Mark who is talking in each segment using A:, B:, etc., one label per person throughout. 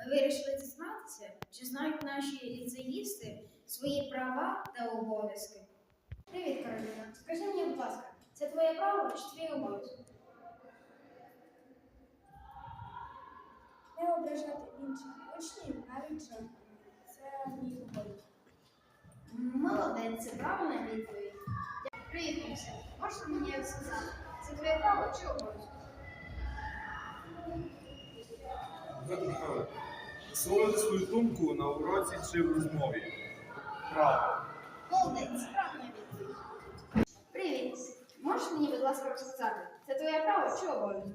A: вирішили дізнатися, чи знають наші ліцеїсти свої права та обов'язки. Привіт, Кароліна. Скажи мені, будь ласка, це твоє право чи твій обов'язок?
B: Не ображати інших учнів навіть жартом. Це мій обов'язок.
A: Молодець, це правильна відповідь. Привіт, Максим. Можеш мені сказати, це твоє право чи обов'язок?
C: Висловити свою думку на уроці чи в розмові. Право.
A: Молодець, це правильна відповідь. Привіт. Можеш мені, будь ласка, розказати, це твоє право чи обов'язок?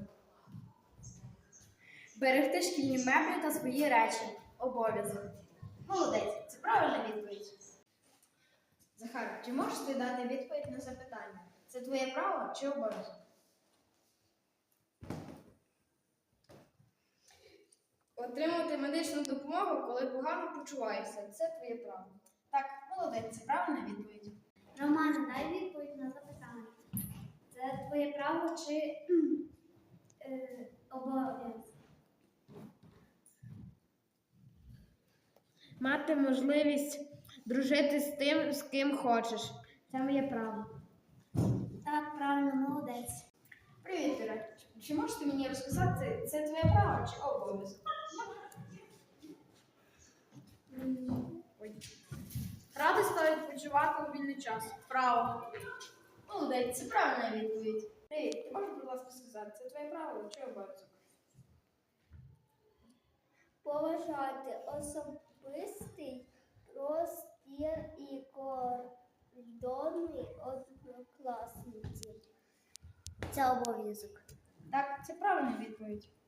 B: Берегти шкільні меблі та свої речі. Обов'язок.
A: Молодець, це правильна відповідь. Захар, чи можеш ти дати відповідь на запитання? Це твоє право чи обов'язок?
B: Отримати медичну допомогу, коли погано почуваєшся. Це твоє право.
A: Так, молодець, це правильна відповідь.
D: Романе, дай відповідь на запитання. Це твоє право чи обов'язок?
B: Мати можливість дружити з тим, з ким хочеш. Це моє право.
D: Так, правильно, молодець.
A: Привіт, Іра. Чи можеш ти мені розказати, це твоє право чи обов'язок?
B: Радість та відпочивати у вільний час. Право.
A: Молодець, це правильна відповідь. Привіт, ти можеш, будь ласка, сказати, це твоє право чи обов'язок?
D: Поважати особистий простір і кордони однокласників. Це обов'язок.
A: Так, це правильна відповідь.